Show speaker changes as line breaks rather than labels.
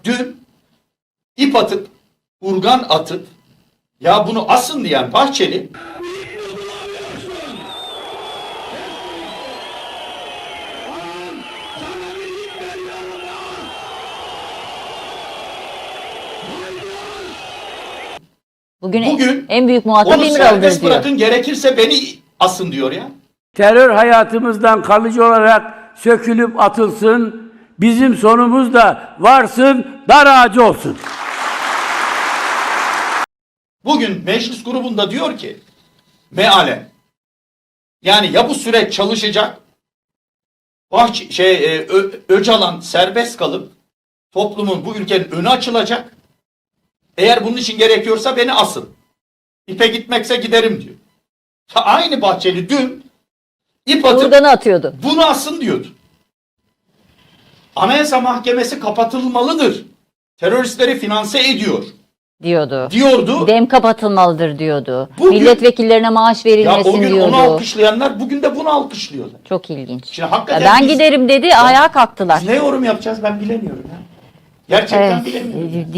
dün ip atıp, urgan atıp, ya bunu asın diyen Bahçeli,
Bugün en büyük muhatap
onu
İmralı'dır
serbest
diyor.
bırakın, gerekirse beni asın diyor ya.
Terör hayatımızdan kalıcı olarak sökülüp atılsın. Bizim sonumuz da varsın, dar ağacı olsun.
Bugün meclis grubunda diyor ki, mealen, yani ya bu süreç çalışacak, Öcalan serbest kalıp toplumun, bu ülkenin önü açılacak. Eğer bunun için gerekiyorsa beni asın. İpe gitmekse giderim diyor. Aynı Bahçeli dün ip atıp
Urgan'ı atıyordu.
bunu asın diyordu. Anayasa Mahkemesi kapatılmalıdır. Teröristleri finanse ediyor diyordu.
Dem kapatılmalıdır diyordu.
Bugün-
Milletvekillerine maaş
Ya
verilmesin
o gün
diyordu.
onu alkışlayanlar bugün de bunu alkışlıyorlar.
Çok ilginç.
Şimdi hakikaten
Ya ben
biz-
giderim dedi, ayağa kalktılar.
Biz ne yorum yapacağız ben bilemiyorum ya. Gerçekten bilemiyorum.